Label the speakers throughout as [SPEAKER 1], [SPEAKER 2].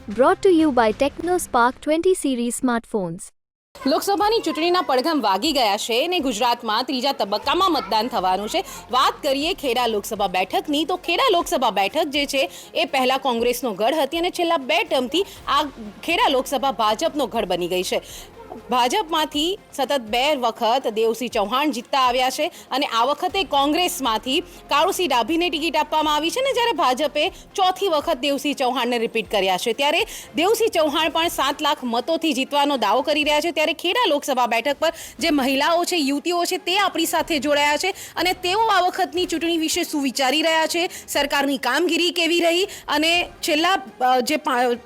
[SPEAKER 1] Brought to you by TechnoSpark 20 series smartphones.
[SPEAKER 2] લોકસભાની ચૂંટણીના પડઘમ વાગી ગયા છે અને ગુજરાતમાં ત્રીજા તબક્કામાં મતદાન થવાનું છે. વાત કરીએ ખેડા લોકસભા બેઠકની તો ખેડા લોકસભા બેઠક જે છે એ પહેલા કોંગ્રેસનો ગઢ હતી અને છેલ્લા 2 ટર્મથી આ ખેડા લોકસભા ભાજપનો ગઢ બની ગઈ છે. ભાજપમાંથી સતત 2 વખત દેવસિંહ ચૌહાણ જીતતા આવ્યા છે અને આ વખતે કોંગ્રેસમાંથી કાળુસિંહ ડાભીને ટિકિટ આપવામાં આવી છે ને જ્યારે ભાજપે ચોથી વખત દેવસિંહ ચૌહાણને રિપીટ કર્યા છે. ત્યારે દેવસિંહ ચૌહાણ પણ 7 લાખ મતોથી જીતવાનો દાવો કરી રહ્યા છે. ત્યારે ખેડા લોકસભા બેઠક પર જે મહિલાઓ છે, યુવતીઓ છે, તે આપણી સાથે જોડાયા છે અને તેઓ આ વખતની ચૂંટણી વિશે શું વિચારી રહ્યા છે, સરકારની કામગીરી કેવી રહી અને છેલ્લા જે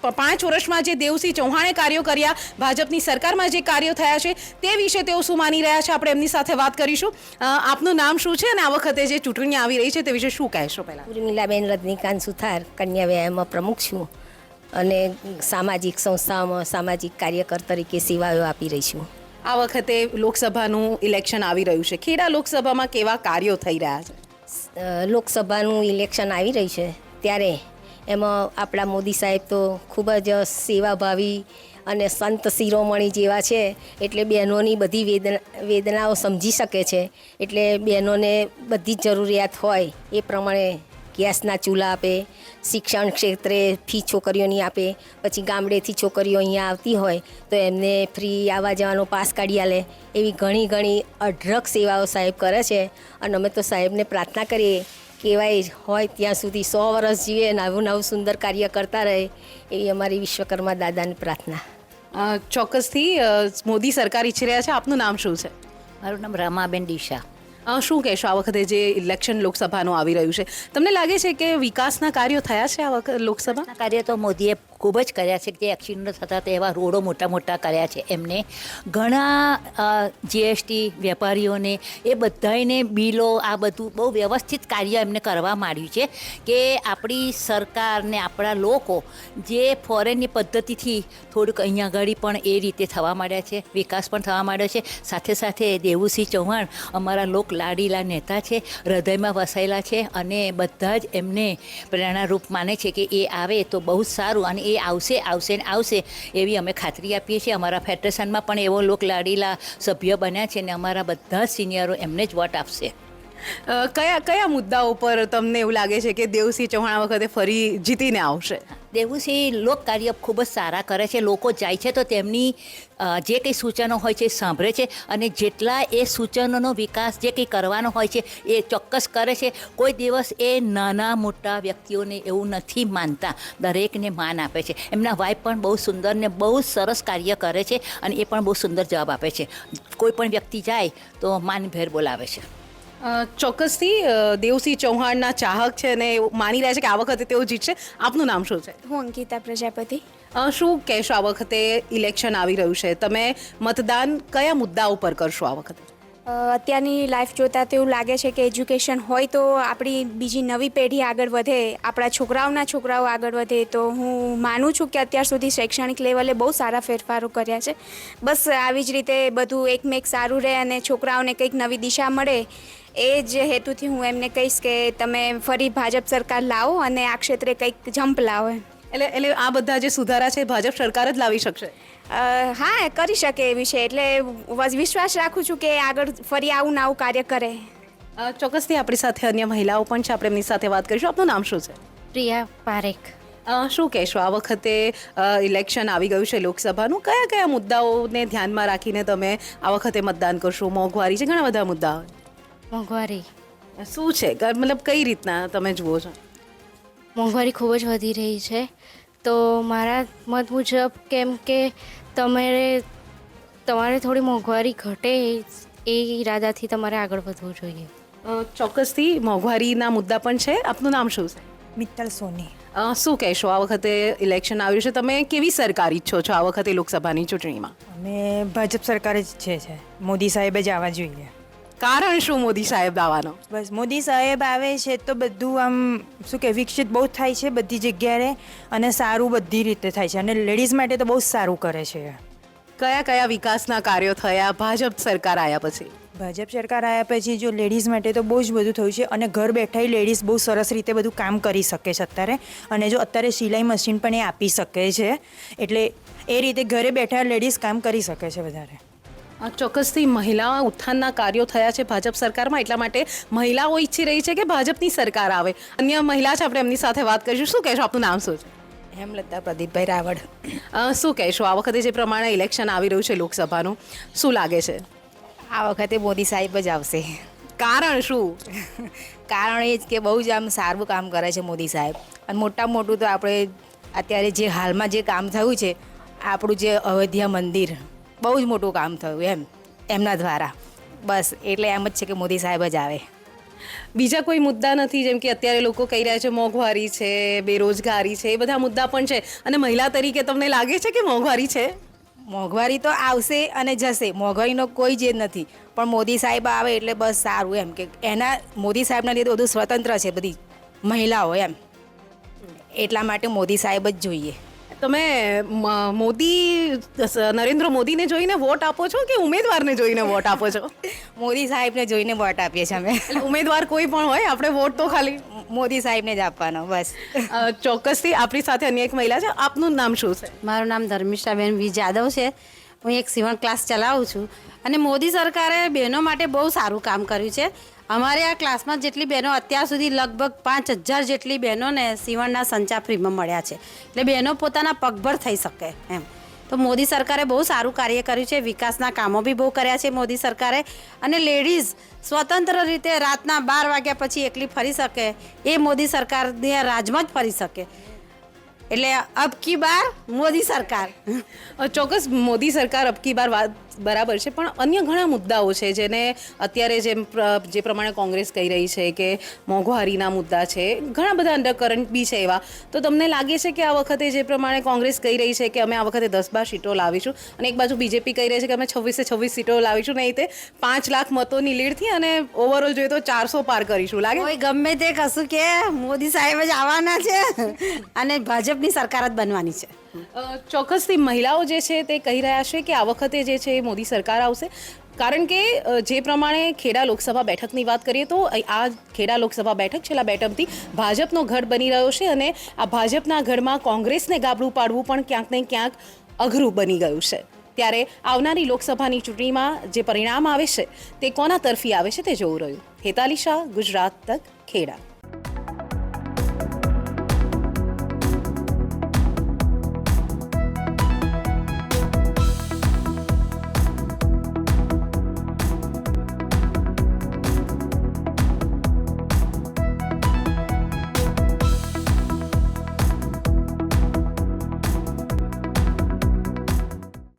[SPEAKER 2] 5 વર્ષમાં જે દેવસિંહ ચૌહાણે કાર્યો કર્યા, ભાજપની સરકારમાં જે કાર્યો થયા છે તે વિશે તેઓ શું માની રહ્યા છે, આપણે એમની સાથે વાત કરીશું. આપનું નામ શું છે અને આ વખતે જે ચૂંટણી આવી રહી છે તે વિશે શું કહેશો? પહેલા
[SPEAKER 3] ઉર્મિલાબેન રજનીકાંત સુથાર, કન્યા વ્યાયામમાં પ્રમુખ છું અને સામાજિક સંસ્થાઓમાં સામાજિક કાર્યકર તરીકે સેવાઓ આપી રહી છું.
[SPEAKER 2] આ વખતે લોકસભાનું ઇલેક્શન આવી રહ્યું છે. ખેડા લોકસભામાં કેવા કાર્યો થઈ રહ્યા છે?
[SPEAKER 3] લોકસભાનું ઇલેક્શન આવી રહ્યું છે ત્યારે એમાં આપણા મોદી સાહેબ તો ખૂબ જ સેવાભાવી અને સંત શિરોમણી જેવા છે, એટલે બહેનોની બધી વેદનાઓ સમજી શકે છે. એટલે બહેનોને બધી જ જરૂરિયાત હોય એ પ્રમાણે ગેસના ચૂલા આપે, શિક્ષણ ક્ષેત્રે ફી છોકરીઓની આપે, પછી ગામડેથી છોકરીઓ અહીંયા આવતી હોય તો એમને ફ્રી આવવા જવાનો પાસ કાઢી આલે. એવી ઘણી અઢળક સેવાઓ સાહેબ કરે છે અને અમે તો સાહેબને પ્રાર્થના કરીએ કહેવાય હોય ત્યાં સુધી 100 વર્ષ જીવે, નવું સુંદર કાર્ય કરતા રહે એવી અમારી વિશ્વકર્મા દાદાની પ્રાર્થના.
[SPEAKER 2] ચોક્કસથી મોદી સરકાર ઈચ્છી રહ્યા છે. આપનું નામ શું છે?
[SPEAKER 4] મારું નામ રમાબેન ડીશા.
[SPEAKER 2] શું કહેશો આ વખતે જે ઇલેક્શન લોકસભાનું આવી રહ્યું છે, તમને લાગે છે કે વિકાસના કાર્યો થયા છે આ વખતે લોકસભા?
[SPEAKER 4] કાર્ય તો મોદીએ ખૂબ જ કર્યા છે. જે એક્સિડન્ટ થતા તે એવા રોડો મોટા કર્યા છે એમને. ઘણા જીએસટી વેપારીઓને એ બધાને બિલો આ બધું બહુ વ્યવસ્થિત કાર્ય એમને કરવા માંડ્યું છે કે આપણી સરકાર ને આપણા લોકો જે ફોરેનની પદ્ધતિથી થોડુંક અહીંયા આગળ પણ એ રીતે થવા માંડ્યા છે, વિકાસ પણ થવા માંડ્યો છે. સાથે દેવુસિંહ ચૌહાણ અમારા લોક લાડીલા નેતા છે, હૃદયમાં વસાયેલા છે અને બધા જ એમને પ્રેરણારૂપ માને છે કે એ આવે તો બહુ જ સારું અને એ આવશે એવી અમે ખાતરી આપીએ છીએ. અમારા ફેડરેશનમાં પણ એવો લોક લાડીલા સભ્ય બન્યા છે અને અમારા બધા જ સિનિયરો એમને જ વોટ આપશે.
[SPEAKER 2] કયા મુદ્દાઓ પર તમને એવું લાગે છે કે દેવસિંહ ચૌહાણ આ વખતે ફરી જીતીને આવશે?
[SPEAKER 4] દેવુસિંહ લોક કાર્ય ખૂબ જ સારા કરે છે. લોકો જાય છે તો તેમની જે કંઈ સૂચનો હોય છે એ સાંભળે છે અને જેટલા એ સૂચનોનો વિકાસ જે કંઈ કરવાનો હોય છે એ ચોક્કસ કરે છે. કોઈ દિવસ એ નાના મોટા વ્યક્તિઓને એવું નથી માનતા, દરેકને માન આપે છે. એમના વાઇફ પણ બહુ સુંદર ને બહુ સરસ કાર્ય કરે છે અને એ પણ બહુ સુંદર જવાબ આપે છે. કોઈ પણ વ્યક્તિ જાય તો માનભેર બોલાવે છે.
[SPEAKER 2] ચોક્કસથી દેવસિંહ ચૌહાણના ચાહક છે અને માની રહ્યા છે કે આ વખતે તેઓ જીતશે. આપનું નામ શું છે?
[SPEAKER 5] હું અંકિતા પ્રજાપતિ.
[SPEAKER 2] શું કહેશો આ વખતે ઇલેક્શન આવી રહ્યું છે, તમે મતદાન કયા મુદ્દા ઉપર કરશો આ વખતે?
[SPEAKER 5] અત્યારની લાઈફ જોતાં તો એવું લાગે છે કે એજ્યુકેશન હોય તો આપણી બીજી નવી પેઢી આગળ વધે, આપણા છોકરાઓ આગળ વધે. તો હું માનું છું કે અત્યાર સુધી શૈક્ષણિક લેવલે બહુ સારા ફેરફારો કર્યા છે. બસ આવી જ રીતે બધું એકમેક સારું રહે અને છોકરાઓને કંઈક નવી દિશા મળે એ જ હેતુથી હું એમને કહીશ કે તમે ફરી ભાજપ સરકાર લાવો અને આ ક્ષેત્રે કંઈક જમ્પ લાવો.
[SPEAKER 2] એટલે આ બધા જે સુધારા છે ભાજપ સરકાર જ લાવી શકશે?
[SPEAKER 5] હા, કરી શકે એવી છે. એટલે વિશ્વાસ રાખું છું કે આગળ ફરી આવું કાર્ય કરે.
[SPEAKER 2] ચોક્કસથી આપણી સાથે અન્ય મહિલાઓ પણ છે, આપણે એમની સાથે વાત કરીશું. આપનું નામ શું છે?
[SPEAKER 6] પ્રિયા પારેખ.
[SPEAKER 2] શું કહેશો આ વખતે ઇલેક્શન આવી ગયું છે લોકસભાનું, કયા મુદ્દાઓને ધ્યાનમાં રાખીને તમે આ વખતે મતદાન કરશો? મોંઘવારી છે, ઘણા બધા મુદ્દાઓ.
[SPEAKER 6] મોંઘવારી
[SPEAKER 2] શું છે, મતલબ કઈ રીતના તમે જુઓ છો?
[SPEAKER 6] મોંઘવારી ખૂબ જ વધી રહી છે. તો મારા મત મુજબ કેમ કે તમારે થોડી મોંઘવારી ઘટે એ ઈરાદાથી તમારે આગળ વધવું જોઈએ.
[SPEAKER 2] ચોક્કસથી મોંઘવારીના મુદ્દા પણ છે. આપનું નામ શું છે?
[SPEAKER 7] મિત્તલ સોની.
[SPEAKER 2] શું કહેશો આ વખતે ઇલેક્શન આવ્યું છે, તમે કેવી સરકાર ઈચ્છો છો આ વખતે લોકસભાની ચૂંટણીમાં?
[SPEAKER 7] અમે ભાજપ સરકાર જ છે. મોદી સાહેબ જ આવવા જોઈએ.
[SPEAKER 2] કારણ શું મોદી સાહેબ આવવાનો?
[SPEAKER 7] બસ મોદી સાહેબ આવે છે તો બધું આમ શું કે વિકસિત બહુ થાય છે બધી જગ્યાએ અને સારું બધી રીતે થાય છે અને લેડીઝ માટે તો બહુ સારું કરે છે.
[SPEAKER 2] કયા વિકાસના કાર્યો થયા ભાજપ સરકાર આવ્યા પછી?
[SPEAKER 7] ભાજપ સરકાર આવ્યા પછી જો લેડીઝ માટે તો બહુ જ બધું થયું છે અને ઘર બેઠા લેડીઝ બહુ સરસ રીતે બધું કામ કરી શકે છે અત્યારે. અને જો અત્યારે સિલાઈ મશીન પણ એ આપી શકે છે, એટલે એ રીતે ઘરે બેઠા લેડીઝ કામ કરી શકે છે વધારે.
[SPEAKER 2] ચોક્કસથી મહિલા ઉત્થાનના કાર્યો થયા છે ભાજપ સરકારમાં, એટલા માટે મહિલાઓ ઈચ્છી રહી છે કે ભાજપની સરકાર આવે. અન્ય મહિલા છે, આપણે એમની સાથે વાત કરીશું. શું કહેશો, આપનું નામ શું છે?
[SPEAKER 3] હેમલતા પ્રદીપભાઈ રાવળ.
[SPEAKER 2] શું કહેશો, આ વખતે જે પ્રમાણે ઇલેક્શન આવી રહ્યું છે લોકસભાનું, શું લાગે છે?
[SPEAKER 8] આ વખતે મોદી સાહેબ જ આવશે.
[SPEAKER 2] કારણ શું?
[SPEAKER 8] કારણ એ જ કે બહુ જ આમ સારું કામ કરે છે મોદી સાહેબ. અને મોટામાં મોટું તો આપણે અત્યારે જે હાલમાં જે કામ થયું છે, આપણું જે અયોધ્યા મંદિર, બહુ જ મોટું કામ થયું એમના દ્વારા. બસ એટલે એમ જ છે કે મોદી સાહેબ જ આવે.
[SPEAKER 2] બીજા કોઈ મુદ્દા નથી? જેમ કે અત્યારે લોકો કહી રહ્યા છે મોંઘવારી છે, બેરોજગારી છે, એ બધા મુદ્દા પણ છે. અને મહિલા તરીકે તમને લાગે છે કે મોંઘવારી છે?
[SPEAKER 8] મોંઘવારી તો આવશે અને જશે, મોંઘવારીનો કોઈ જ નથી. પણ મોદી સાહેબ આવે એટલે બસ સારું, એમ કે એના મોદી સાહેબના લીધે બધું સ્વતંત્ર છે બધી મહિલાઓ એમ. એટલા માટે મોદી સાહેબ જ જોઈએ.
[SPEAKER 2] તમે નરેન્દ્ર મોદીને જોઈને વોટ આપો છો કે ઉમેદવારને જોઈને વોટ આપો છો?
[SPEAKER 8] મોદી સાહેબને જોઈને વોટ આપીએ છીએ અમે.
[SPEAKER 2] એટલે ઉમેદવાર કોઈ પણ હોય, આપણે વોટ તો ખાલી
[SPEAKER 8] મોદી સાહેબને જ આપવાનો બસ.
[SPEAKER 2] ચોક્કસથી આપણી સાથે અન્ય એક મહિલા છે. આપનું નામ શું છે?
[SPEAKER 9] મારું નામ ધર્મિષ્ઠાબેન વી જાદવ છે. હું એક સીવણ ક્લાસ ચલાવું છું અને મોદી સરકારે બહેનો માટે બહુ સારું કામ કર્યું છે. અમારે આ ક્લાસમાં જેટલી બહેનો અત્યાર સુધી લગભગ 5000 જેટલી બહેનોને સીવણના સંચા ફ્રીમાં મળ્યા છે. એટલે બહેનો પોતાના પગભર થઈ શકે એમ. તો મોદી સરકારે બહુ સારું કાર્ય કર્યું છે. વિકાસના કામો બી બહુ કર્યા છે મોદી સરકારે. અને લેડીઝ સ્વતંત્ર રીતે રાતના 12 વાગ્યા પછી એકલી ફરી શકે, એ મોદી સરકારને રાજમાં જ ફરી શકે. એટલે અબ કી બાર મોદી સરકાર.
[SPEAKER 2] ચોક્કસ મોદી સરકાર અબ કી બાર વાત બરાબર છે, પણ અન્ય ઘણા મુદ્દાઓ છે જેને અત્યારે જે પ્રમાણે કોંગ્રેસ કહી રહી છે કે મોંઘવારીના મુદ્દા છે, ઘણા બધા અંડરકરન્ટ બી છે એવા. તો તમને લાગે છે કે આ વખતે જે પ્રમાણે કોંગ્રેસ કહી રહી છે કે અમે આ વખતે 10-12 સીટો લાવીશું, અને એક બાજુ બીજેપી કહી રહી છે કે અમે 26-26 સીટો લાવીશું, નહીં તે 5 લાખ મતોની લીડથી અને ઓવરઓલ જોઈએ તો 400 પાર કરીશું? લાગે
[SPEAKER 9] કોઈ ગમે તે કશું કે મોદી સાહેબ જ આવવાના છે અને ભાજપની સરકાર જ બનવાની છે.
[SPEAKER 2] ચોક્કસથી મહિલાઓ જે છે તે કહી રહ્યા છે કે આ વખતે જે છે એ મોદી સરકાર આવશે. કારણ કે જે પ્રમાણે ખેડા લોકસભા બેઠકની વાત કરીએ તો આ ખેડા લોકસભા બેઠક છેલ્લા 2 ટર્મથી ભાજપનો ગઢ બની રહ્યો છે, અને આ ભાજપના ગઢમાં કોંગ્રેસને ગાબડું પાડવું પણ ક્યાંક ને ક્યાંક અઘરું બની ગયું છે. ત્યારે આવનારી લોકસભાની ચૂંટણીમાં જે પરિણામ આવે છે તે કોના તરફી આવે છે તે જોવું રહ્યું. હેતાલી શાહ, ગુજરાત તક, ખેડા.